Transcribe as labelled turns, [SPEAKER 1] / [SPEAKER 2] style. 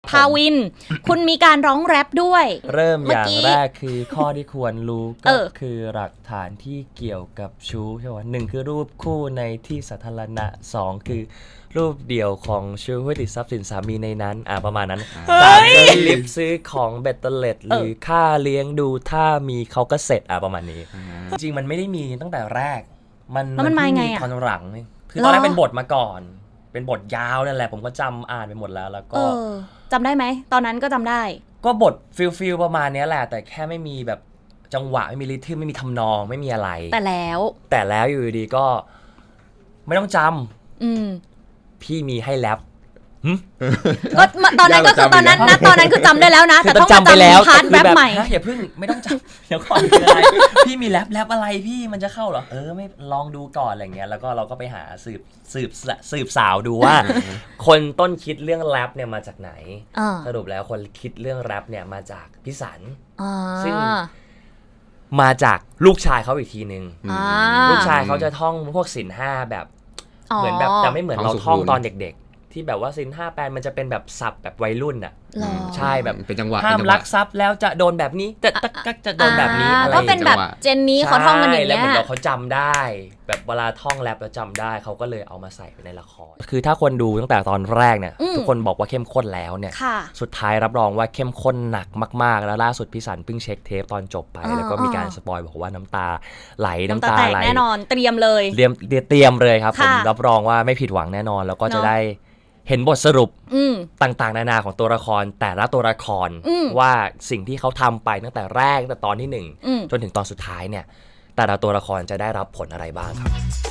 [SPEAKER 1] ภาวิน คุณมีการร้องแรปด้วย
[SPEAKER 2] เริ่มอย่าง
[SPEAKER 1] เมื่อกี้
[SPEAKER 2] แรกคือข้อที่ควรรู้ก็คือหลักฐานที่เกี่ยวกับชู้ใช่ไหมหนึ่งคือรูปคู่ในที่สาธารณะสองคือรูปเดี่ยวของชู้ที่ติดทรัพย์สินสามีในนั้นประมาณนั้นสามคือลิฟต์ซื้อของเบ็ดเตล็ดหรือค่าเลี้ยงดูถ้ามีเขาก็เสร็จประมาณนี้จริงๆมันไม่ได้มีตั้งแต่แรกมัน
[SPEAKER 1] มาไง
[SPEAKER 2] ตอนหลังคือตอนแรกเป็นบทมาก่อนเป็นบทยาวนั่นแหละผมก็จำอ่านไปหมดแล้วก็
[SPEAKER 1] จำได้ไหมตอนนั้นก็จำได้
[SPEAKER 2] ก็บทฟิลประมาณนี้แหละแต่แค่ไม่มีแบบจังหวะไม่มีริทึมไม่มีทำนองไม่มีอะไร
[SPEAKER 1] แต่แล้ว
[SPEAKER 2] อยู่ดีก็ไม่ต้องจำพี่มีให้แรป
[SPEAKER 1] ก็ตอนนั้นก็คือตอนนั้นคือจำได้แล้วนะแต่ต้องจำไปแล้วพาร์ทแรปใหม่
[SPEAKER 2] อย่าเพิ่งไม่ต้องจำเดี๋ยวก่อนอะไรพี่มีแรปอะไรพี่มันจะเข้าเหรอไม่ลองดูก่อนอะไรเงี้ยแล้วก็เราก็ไปหาสืบสาวดูว่า คนต้นคิดเรื่องแรปเนี่ยมาจากไหนสรุปแล้วคนคิดเรื่องแรปเนี่ยมาจากพี่สันซึ่งมาจากลูกชายเขาอีกทีนึงลูกชายเขาจะท่องพวกศีลห้าแบบเหมือนแบบแต่ไม่เหมือนเราท่องตอนเด็กๆที่แบบว่าศีลห้าแปลมันจะเป็นแบบศัพท์แบบวัยรุ่นใช่แบบ
[SPEAKER 3] เป็นจังหวะ
[SPEAKER 2] ห้ามลักทรัพย์แล้วจะโดนแบบนี้จะโดนแบบนี้อะไร
[SPEAKER 1] ก็เป็นแบบเจนนี้เขาท่องกันอย่างเงี้ย
[SPEAKER 2] แล้วเหมือนเขาจำได้แบบเวลาท่องแรปแล้วจำได้เขาก็เลยเอามาใส่ไปในละครคือถ้าคนดูตั้งแต่ตอนแรกเนี่ยทุกคนบอกว่าเข้มข้นแล้วเนี่ยสุดท้ายรับรองว่าเข้มข้นหนักมากๆแล้วล่าสุดพี่สันเพิ่งเช็คเทปตอนจบไปแล้วก็มีการสปอยบอกว่าน้ำตาไหลน้ำตาไหล
[SPEAKER 1] แน่นอนเตรียมเลย
[SPEAKER 2] ครับผมรับรองว่าไม่ผิดหวังแน่นอนแล้วก็จะได้เห็นบทสรุปต่างๆนานาของตัวละครแต่ละตัวละครว่าสิ่งที่เขาทำไปตั้งแต่แรกตั้งแต่ตอนที่1จนถึงตอนสุดท้ายเนี่ยแต่ละตัวละครจะได้รับผลอะไรบ้างครับ